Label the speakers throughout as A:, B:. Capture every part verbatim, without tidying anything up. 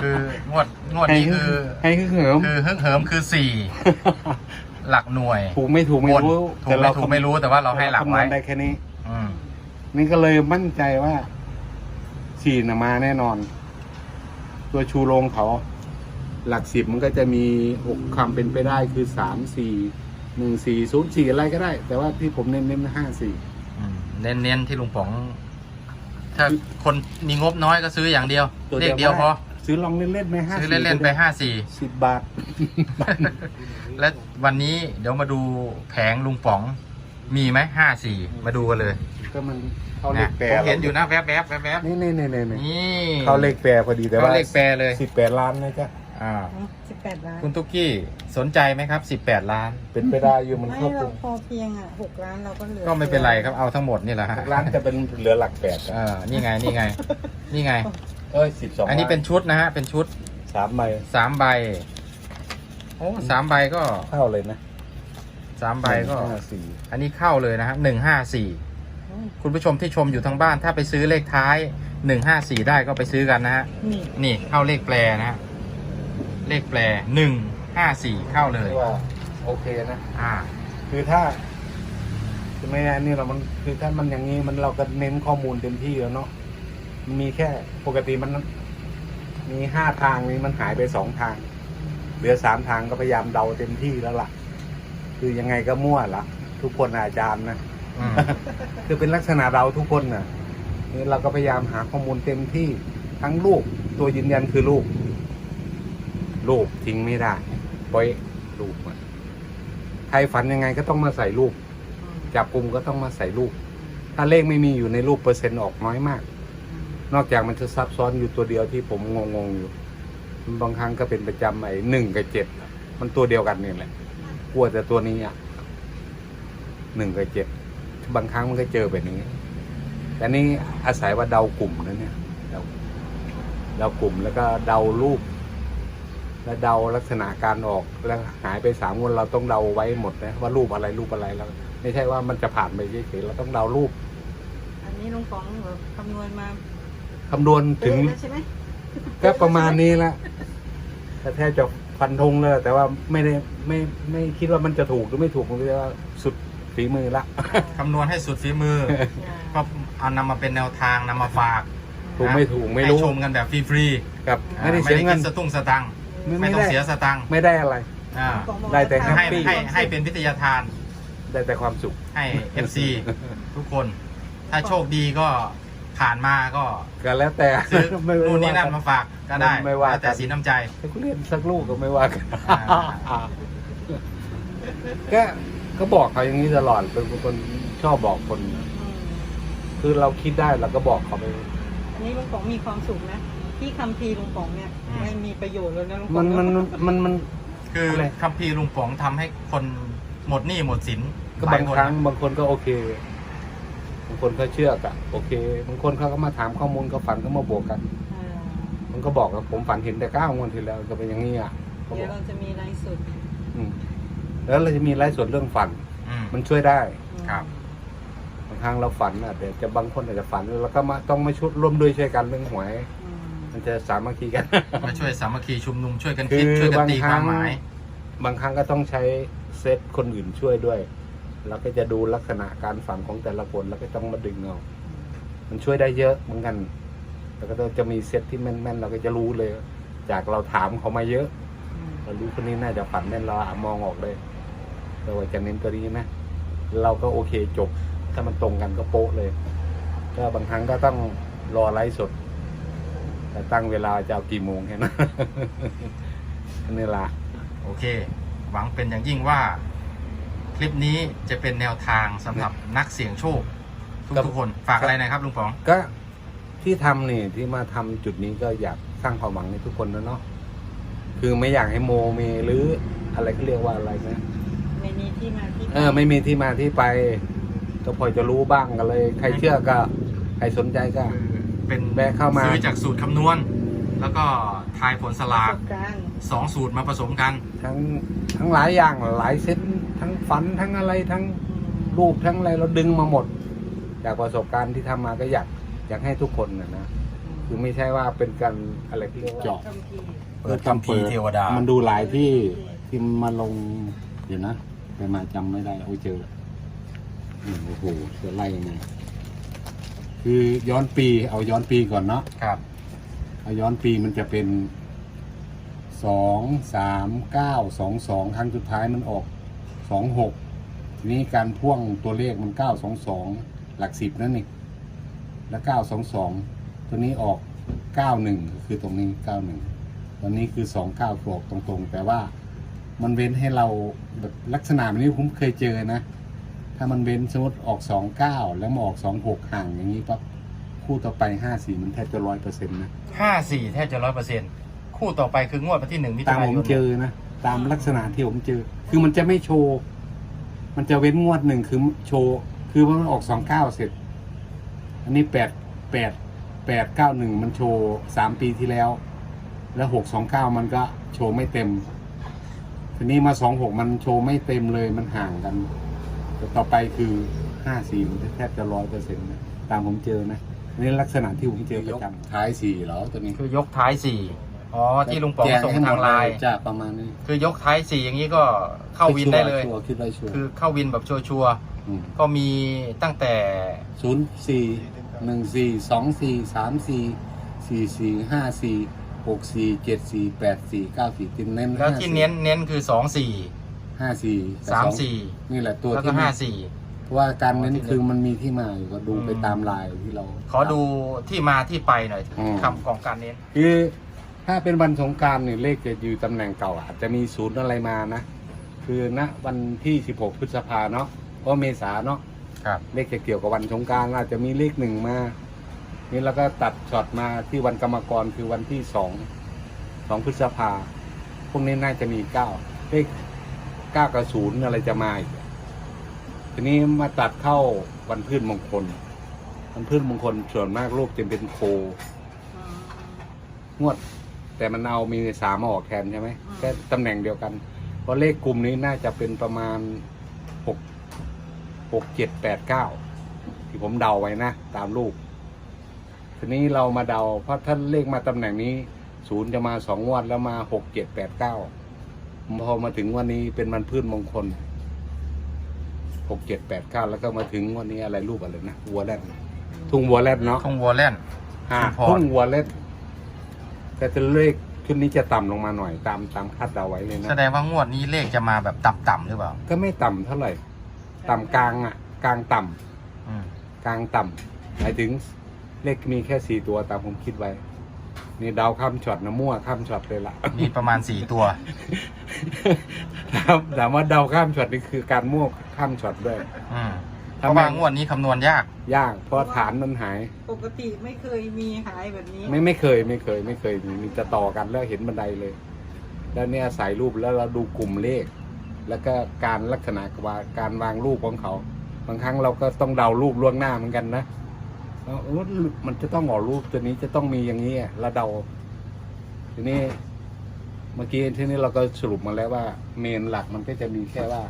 A: คืองวดงวดนี้คือ
B: ให้คือเหิม
A: คือฮึ่งเหิมคือสี่หลักหน่วย
B: ถูกไม่ถูกไม่รู้
A: ถูกไม่ถูกไม่รู้แต่ว่าเราให้หลักไว้
B: ได้แค่นี้
A: อืม
B: นี่ก็เลยมั่นใจว่าสี่น่ะมาแน่นอน ตัวชูโรงเขา หลักสิบมันก็จะมีหกคำเป็นไปได้คือสามสี่หนึ่งสี่ศูนย์สี่อะไรก็ได้ แต่ว่าที่ผมเน้นเน้นห้าสี่
A: เน้นเน้นที่ลุงป๋อง ถ้าคนมีงบน้อยก็ซื้ออย่างเดียวเลขเดียวพอ
B: ซื้อลองเล่นๆไหมห้า
A: ซื้อเล่นๆไปห้าสี่
B: สิบบาท
A: และวันนี้เดี๋ยวมาดูแผงลุงป๋อง มีไหมห้าสี่มาดูกันเลย
B: ก็มันเขาเล
A: นะ
B: ขแปร
A: ผมเห็นอยู่นะแวบๆแวบๆแวบ
B: นี่นี่นี่นี่
A: ๆนี่
B: เขาเลขแปรพอดีแต่ว่า
A: เขาเลขแปรเลย
B: สิบแปดล้านนะจ๊ะ
A: อ่า
C: สิบแปดล้าน
A: คุณตุ๊กกี้สนใจไหมครับสิบแปดล้าน
B: เป็นไปได้อยู่มัน
C: ไม่
B: เข้า
C: เรา
B: กลุ่ม
C: พอเพียงอ่ะหกล้านเราก็เหลือ
A: ก็ไม่เป็นไรครับเอาทั้งหมดนี่แหละฮะ
B: หกล้านจะเป็นเหลือหลักแปด
A: เออนี่ไงนี่ไง นี่ไง
B: เอ้ยสิบสอง
A: อันนี้เป็นชุดนะฮะเป็นชุด
B: สามใบ
A: สามใบโอ้สามใบก็
B: เข้าเลยนะ
A: สามใบก็
B: ห้าสี่
A: อันนี้เข้าเลยนะฮะหนึ่งห้าสี่คุณผู้ชมที่ชมอยู่ทางบ้าน ถ้าไปซื้อเลขท้ายหนึ่งห้าสี่ได้ก็ไปซื้อกันนะฮะ
C: นี่
A: นี่เข้าเลขแปรนะฮะเลขแปรหนึ่งห้าสี่เข้าเลย
B: ที่ว่าโอเคนะ
A: อ่า
B: คือถ้าจะไม่อันนี้เรามันคือถ้ามันอย่างนี้มันเราก็เน้นข้อมูลเต็มที่แล้วเนาะมันมีแค่ปกติมันมีห้าทางนี้มันหายไปสองทางเหลือสามทางก็พยายามเดาเต็มที่แล้วล่ะ คือยังไงก็มั่วละทุกคนอาจารย์นะ
A: อืม
B: คือเป็นลักษณะเราทุกคนน่ะนี่เราก็พยายามหาข้อมูลเต็มที่ทั้งลูกตัวยืนยันคือลูกลูกทิ้งไม่ได้ปล่อยลูกมันใครฝันยังไงก็ต้องมาใส่ลูกจับกลุ่มก็ต้องมาใส่ลูกถ้าเลขไม่มีอยู่ในรูปเปอร์เซ็นต์ออกน้อยมาก นอกจากมันจะซับซ้อนอยู่ตัวเดียวที่ผมงงๆอยู่บางครั้งก็เป็นประจำไอ้หนึ่งกับเจ็ดมันตัวเดียวกันนี่แหละกลัวแต่ตัวนี้อ่ะหนึ่งกับเจ็ดบางครั้งมันก็เจอแบบนี้แต่นี่อาศัยว่าเดากลุ่มนะเนี่ยเดาเดากลุ่มแล้วก็เดารูปแล้วเดาลักษณะการออกแล้วหายไปสามวันเราต้องเดาไว้หมดนะว่ารูปอะไรรูปอะไรแล้วไม่ใช่ว่ามันจะผ่านไปเฉยๆเราต้องเดารูป
C: อันนี้ลุงป๋องแบบคำนวณมา
B: คำนวณถึง
C: เป๊ะแล้วใช่ไหม
B: ก็ประมาณนี้ละแต่แทบจะฟันธงเลยแต่ว่าไม่ได้ไม่ไม่คิดว่ามันจะถูกหรือไม่ถูกมันก็ว่าสุดฝีมือละ
A: คำนวณให้สุดฝีมือ ก็เอานำมาเป็นแนวทางนำมาฝาก
B: ถูกไม่ถูกไม่รู้
A: ให้ชมกันแบบฟรี
B: กับ
A: ๆ
B: ไม่ได้
A: ไม่
B: เสีย
A: ได้
B: เงิ
A: คิ
B: น
A: ดสตุ้งสตังค์
B: ไม่
A: ไม่
B: ไม่
A: ต้อง
B: ได้
A: เสียสตังค์
B: ไม่ได้อะไร
A: อ่า
C: ป๋องบอก
B: ได้แต่
C: ว่า
A: ให้
B: แฮปปี้
A: ให้ให้เป็นวิทยาทาน
B: ได้แต่ความสุข
A: ให้ เอฟ ซี ทุกคน ถ้าโชคดีก็ผ่านมาก็
B: ก็แล้วแต่
A: ซื้อ
B: ไม่ไม่
A: นู่นนี่นั่น
B: กั
A: มาฝากก็ได้
B: ไม่ว่า
A: แล้วแต่
B: กัน
A: สีน้ำใจ
B: แต่กูเรียนสักลูกก็ไม่ว่ากัน
A: อ่า
B: ก็ก็บอกเขาอย่างนี้ตลอดเป็นคนชอบบอกคน
C: อืม
B: คือเราคิดได้เราก็บอกเขาไป
C: อันนี้ลุงป๋องมีความสุขนะที่คัมภีร์ลุงป๋องเนี่ย
A: อืม
C: ไม่มีประโยชน์เลยนะลุงป๋
B: มั
C: อน ง
B: มันมันมัน
A: คือ
B: อะไร
A: คัมภีร์ลุงป๋องทำให้คนหมดหนี้หมดสิน
B: ก็
A: หล
B: บาย ง
A: คน
B: ครั้ง
A: นะ
B: บางคนก็โอเค บางคนก็เชื่อกะโอเค บางคนเขาก็มาถามข้อมูลเขาฝันเขามาบวกกัน
C: อ่า
B: มันก็บอกว่าผมฝันเห็นแต่เก้างวดที่แล้วก็เป็นอย่างนี้อ่ะเขาบ
C: เดี๋ย
B: อ
C: ว
B: ก
C: เราจะมีไลฟ์สด
B: อืมแล้วเราจะมีไลฟ์สดเรื่องฝัน
A: อืม
B: มันช่วยได้
A: ครับ
B: บางครั้งเราฝันอ่ะเดี๋ยวจะบางคนอาจจะฝันแล้วก็มาต้องมาชุดร่วมด้วยช่วยกันเรื่องหวย
C: อืม
B: มันจะสามัคคีกัน
A: มาช่วยสามัคคีชุมนุมช่วยกัน
B: คื
A: คิด
B: อ
A: ช่วยกันตี
B: บางครั้
A: ความ
B: ง
A: หมาย
B: บางครั้งก็ต้องใช้เซตคนอื่นช่วยด้วย แล้วก็จะดูลักษณะการฝันของแต่ละคนแล้วก็ต้องมาดึงเอามันช่วยได้เยอะเหมือนกัน แล้วก็จะมีเซตที่แม่นๆเราก็จะรู้เลย จากเราถามเขามาเยอะ
C: อืม
B: เรารู้คนนี้น่าจะฝันแม่นเราอะมองออกเลยเราว่าจะเน้นตัวนี้นะเราก็โอเคจบ ถ้ามันตรงกันก็โป๊ะเลย ก็บางครั้งก็ต้องรอไลฟ์สด แต่ตั้งเวลาจะเอากี่โมงแค่นั้น อันนี้ละ
A: โอเค หวังเป็นอย่างยิ่งว่า คลิปนี้จะเป็นแนวทางสำหรับนักเสี่ยงโชค ทุกทุกคนฝากอะไรหนะครับลุงป๋อง
B: ก็ที่ทำนี่ที่มาทำจุดนี้ก็อยากสร้างความหวังในทุกคนนะเนาะคือไม่อยากให้โมเมหรืออะไรก็เรียกว่าอะไรนะ
C: ไม่มีที่มาที่ไป
B: เออไม่มีที่มาที่ไป ก็พอจะรู้บ้างกันเลย ใครเชื่อก็ใครสนใจก็
A: คือเป็น
B: แวะเข้ามา
A: ซื้อจากสูตรคำนวณ แล้วก็ทายผลส
C: ป
A: ลา
C: ระ
A: ก
C: สบการณ์
A: สองสูตรมาผสมกัน
B: ทั้งทั้งหลายอย่างหลายเส้นทั้งฝันทั้งอะไรทั้ง
C: อืม
B: รูปทั้งอะไรเราดึงมาหมด จากประสบการณ์ที่ทำมาก็อยากอยากให้ทุกคนนะนะคือไม่ใช่ว่าเป็นการอะไรที่เรียกว่า
D: เจาะ
C: คัมภีร์
A: เปิดคัมภีร์เทวดา
D: มันดูหลายที่ที่มาลงเดี๋ยวนะไปมาจำไม่ได้โอ้ยเจออืมโอ้โหจะไล่ยังไงคือย้อนปีเอาย้อนปีก่อนเนาะ
A: ครับ
D: เอาย้อนปีมันจะเป็นสองสามเก้าสองสองครั้งสุดท้ายมันออกสองหกทีนี้การพ่วงตัวเลขมันเก้าสองสองหลักสิบนั่นเองแล้วเก้าสองสองตัวนี้ออกเก้าหนึ่งคือตรงนี้เก้าหนึ่งวันนี้คือสองเก้าออกตรงๆแต่ว่ามันเว้นให้เราแบบลักษณะแบบนี้ผมเคยเจอนะ ถ้ามันเว้นสมมติออกสองเก้าแล้วมาออกสองหกห่างอย่างนี้ปั๊บคู่ต่อไปห้าสี่มันแทบจะร้อยเปอร์เซ็นต์นะ
A: ห้าสี่แทบจะร้อยเปอร์เซ็นต์คู่ต่อไปคืองวดวันที่หนึ่งมิถุ
D: ตาม
A: นา
D: ผ
A: ย
D: ม
A: น
D: เจอนะ ตามลักษณะที่ผมเจอ คือมันจะไม่โชว์ มันจะเว้นงวดหนึ่งคือโชว์ คือว่ามันออกสองเก้าเสร็จ อันนี้แปดแปดแปดเก้าหนึ่งมันโชว์สามปีที่แล้ว แล้วหกสองเก้ามันก็โชว์ไม่เต็ม ทีนี้มาสองหกมันโชว์ไม่เต็มเลยมันห่างกันแต่ต่อไปคือห้าสี่มันแทบจะร้อยเปอร์เซ็นต์นะตามผมเจอนะนี่ลักษณะที่ผมเจอประจำท้ายสี่เหรอตัวนี้
A: คือยกท้ายสี่อ๋อที่ลุงป๋อง
D: แจ
A: ส่ง
D: ให้หม
A: ทา
D: ด
A: งไลน์
D: จ้าประมาณนี้
A: คือยกท้ายสี่อย่างนี้ก็เข้าวินได้เลย
D: ชัวร์คิดได้ชัวร์
A: คือเข้าวินแบบชัวร์
D: ม
A: ๆก็มีตั้งแต่
D: ศูนย์สี่หนึ่งสี่สองสี่สามสี่สี่สี่ห้าสี่หกสี่เจ็ดสี่แปดสี่เก้าสี่ตินเน้น
A: แล้วที่เน้นเน้นคือสองสี่
D: ห้าสี่
A: สามสี่
D: นี่แหละตัว
A: แล้วก็
D: ที่
A: ห้าสี่
D: เพราะว่าการเน้น
A: อ๋อที่
D: คือมันมีที่มาอยู่ก็ดู
A: อืม
D: ไปตามลายที่เรา
A: ขอดูที่มาที่ไปหน่อย
D: อืม
A: คำของการเน้น
D: คือถ้าเป็นวันสงกรารเนี่ยเลขจะอยู่ตำแหน่งเก่าอาจจะมีศูนย์อะไรมานะ คือณวันที่สิบหกพฤษภาเนาะเพราะเมษาเนาะ
A: ครับ
D: เลขจะเกี่ยวกับวันสงกรารอาจจะมีเลขหนึ่งมา นี่แล้วก็ตัดช็อตมาที่วันกรรมกรคือวันที่สองสองพฤษภาพวกนี้น่าจะมีเก้าเลขเก้ากับศูนย์อะไรจะมาอีกทีนี้มาตัดเข้าวันพืชมงคล วันพืชมงคลส่วนมากรูปจะเป็นโค
C: อืม
D: งวด แต่มันเอามีสามมาออกแทนใช่ไหม
C: อืม
D: แค่ตำแหน่งเดียวกัน เพราะเลขกลุ่มนี้น่าจะเป็นประมาณหกหกเจ็ดแปดเก้าที่ผมเดาไว้นะ ตามรูป ทีนี้เรามาเดา เพราะถ้าเลขมาตำแหน่งนี้ศูนย์จะมาสองงวดแล้วมาหกเจ็ดแปดเก้าพอมาถึงวันนี้เป็นวันพืชมงคลหกเจ็ดแปดเก้าแล้วก็มาถึงวันนี้อะไรรูปอะไรนะวัวแรดทุ่งวัวแรดเนาะ
A: ทงวัวแล่น
D: อ่า
A: ชุมพร
D: ทุ่งวัวแรดแต่จะเลขชุดนี้จะต่ำลงมาหน่อยตามตามคาดเดาไว้เลยนะ
A: แสดงว่างวดนี้เลขจะมาแบบต่ำๆหรือเปล่า
D: ก็ไม่ต่ำเท่าไหร่ ต่ำกลางอ่ะ กลางต่ำ
A: อืม
D: กลางต่ำหมายถึงเลขมีแค่สี่ตัวตามผมคิดไว้ นี่เดาข้ามช็อตนะมั่วข้ามช็อตเลยล่ะ
A: มีประมาณสี่ตัว
D: ถามถามว่าเดาข้ามช็อตนี่คือการมั่วข้ามช็อตด้วย
A: อืมเพ
D: ทำ
A: ราะ
D: ไม
A: ว่างวดนี้คำนวณยาก
D: ยากเพราะฐานมันหาย
C: ปกติไม่เคยมีหายแบบนี้
D: ไม่ไม่เคยไม่เคย ไม่เคยมีมีจะต่อกันแล้วเห็นบันไดเลย แล้วเนี่ยใส่รูปแล้วเราดูกลุ่มเลข แล้วก็การลักษณะว่าการวางรูปของเขา บางครั้งเราก็ต้องเดารูปล่วงหน้าเหมือนกันนะว่าเออมันจะต้องออกรูปตัวนี้จะต้องมีอย่างนี้อะแล้วเดา ทีนี้ เมื่อกี้ที่นี้เราก็สรุปมาแล้วว่า เมนหลักมันก็จะมีแค่ว่า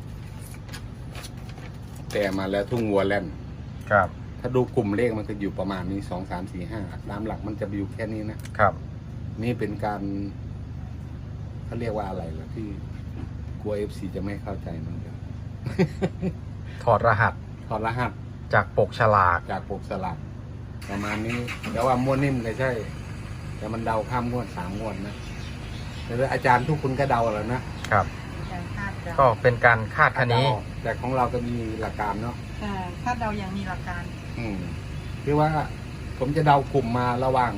D: แต่มาแล้วทุ่งวัวแล่น
A: ครับ
D: ถ้าดูกลุ่มเลขมันจะอยู่ประมาณนี้สองสามสี่ห้าตามหลักมันจะอยู่แค่นี้นะ
A: ครับ
D: นี่เป็นการเขาเรียกว่าอะไรล่ะที่กลัวเอฟซีจะไม่เข้าใจมันกัน
A: ถอดรหัส
D: ถอดรหัส
A: จากปกฉลาก
D: จากปกสลักประมาณนี้แต่ว่าม้วนนิ่มก็ใช่ แต่มันเดาข้ามงวดสามงวดนะแต่อาจารย์ทุกคนก็เดาแล้วนะครับ
C: การคาดเดา
A: ก็เป็นการคาดคะเน
D: เดาแต่ของเราก็มีหลักการเนาะ
C: อ่าคาดเดาอย่างมีหลักการ
D: อืมคือว่าผมจะเดากลุ่มมาระหว่าง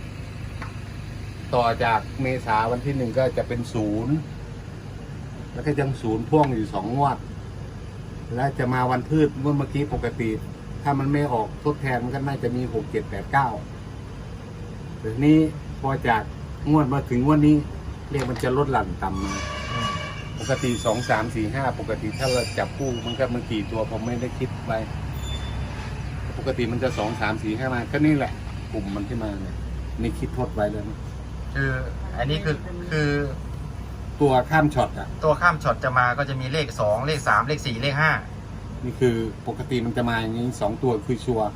D: ต่อจากเมษาวันที่หนึ่งก็จะเป็นศูนย์แล้วก็ยังศูนย์พ่วงอยู่สองงวด แล้วจะมาวันพืชเมื่อเมื่อกี้ปกติ ถ้ามันไม่ออกทดแทนมันก็น่าจะมีหกเจ็ดแปดเก้าแต่ทีนี้พอจากงวดมาถึงงวดนี้เรียกมันจะลดหลั่นต่ำมา
A: อืม
D: ปกติสองสามสี่ห้าปกติถ้าเราจับคู่มันก็มันกี่ตัวผมไม่ได้คิดไปปกติมันจะสองสามสี่ห้ามาก็นี่แหละ กลุ่มมันที่มาเนี่ยนี่คิดทดไว้แล้วนะ
A: คืออันนี้คือคือ
D: ตัวข้ามช็อตอ่ะ
A: ตัวข้ามช็อตจะมาก็จะมีเลขสองเลขสามเลขสี่เลขห้า
D: นี่คือปกติมันจะมาอย่างนี้สองตัวคือชัวร์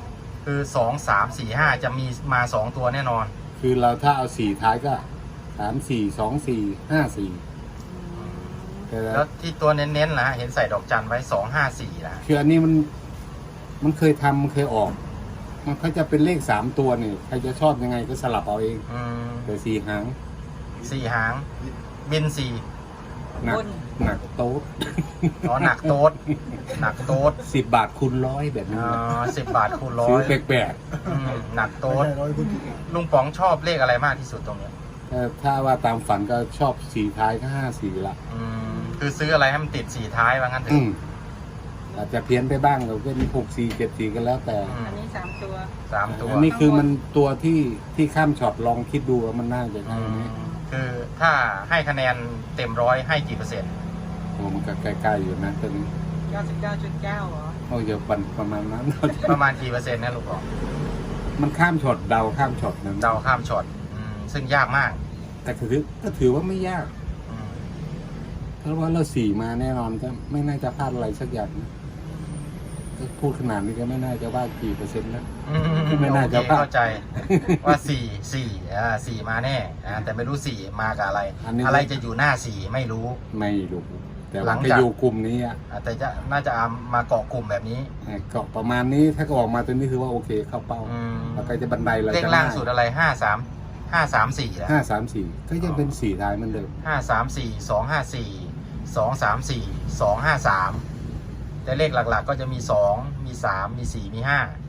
A: คือสองสามสี่ห้าจะมีมาสองตัวแน่นอน
D: คือเราถ้าเอาสี่ท้ายก็สามสี่สองสี่ห้าสี่แต่
A: แล้วที่ตัวเน้นๆนะเห็นใส่ดอกจันไว้สองห้าสี่นะ
D: คืออันนี้มันมันเคยทำมันเคยออก มันก็จะเป็นเลขสามตัวเนี่ยใครจะชอบยังไงก็สลับเอาเอง
A: อืม
D: แต่สี่หาง
A: สี่หาง บินสี่
D: หนักหนักโต๊ด
A: อ๋อหนักโต๊ดหนักโต๊ด
D: สิบบาทคูณร้อยแบบนี้
A: อ๋อสิบบาทคูณร้อ
D: ซื้อย แปลก
A: อืมหนักโต๊ดลุงป๋องชอบเลขอะไรมากที่สุดตรงเนี้ย
D: ๆถ้าถ้าว่าตามฝันก็ชอบสี่ท้ายก็ห้าสี่ละ
A: อืมคือซื้ออะไรให้มันติดสี่ท้ายว่างั้นเถ
D: อื
A: อะ
D: มอาจจะเพี้ยนไปบ้างเราเป็นหกสี่เจ็ดสี่กันแล้วแต่
A: อืม
C: อันนี้สามตัว
A: สามตัว
D: อันนี้คือมันตัวที่ที่ข้ามช็อตลองคิดดูว่ามันน่าจะ
A: อื
D: ใช่ไหม
A: มคือถ้าให้คะแนนเต็มร้อยให้กี่เปอร์เซ็นต์
D: โอ้มันก็ใกล้ๆอยู่นะตอนนี้
C: เก้าสิบเก้าจุดเก้าเหรอ
D: โอ้ยปันประมาณนั้น
A: ประมาณกี่เปอร์เซ็นต์นะลุงป๋อง
D: มันข้ามช็อตเดาข้ามช็อตนะ
A: เดาข้ามช็อตอืมซึ่งยากมาก
D: แต่ก็ถือก็ถือว่าไม่ยาก
A: อืม
D: เพราะว่าเราสี่มาแน่นอนก็ไม่น่าจะพลาดอะไรสักอย่างนะก็พูดขนาดนี้ก็ไม่น่าจะว่ากี่เปอร์เซ็นต์นะ
A: อืม
D: ไม่น่าจะ
A: โอเค
D: พลาด
A: เข้าใจว่าสี่สี่อ่าสี่มาแน่อ่าแต่ไม่รู้สี่มากับอะไร
D: อันนี้
A: อะไรจะอยู่หน้าสี่ไม่รู้
D: ไม่รู้แต่
A: หลั
D: ว่าง ไป
A: จาก
D: อยู่กลุ่มนี้อ่ะ
A: อ่าแต่จะน่าจะเอามาเกาะกลุ่มแบบนี้
D: ก็ประมาณนี้ถ้าก็ออกมาตัวนี้ถือว่าโอเคเข้าเป้า
A: อืม
D: แล้วก็จะบันไดเรา
A: เลข
D: จะ
A: ล่างสุดอะไรห้าสามห้าสามสี่นะ
D: ห้าสามสี่ก็ยังเป็นสี่ท้ายเหมือนเดิม
A: ห้าสามสี่สองห้าสี่สองสามสี่สองห้าสามแต่เลขหลักๆ ก็จะมีสองมีสามมีสี่มีห้า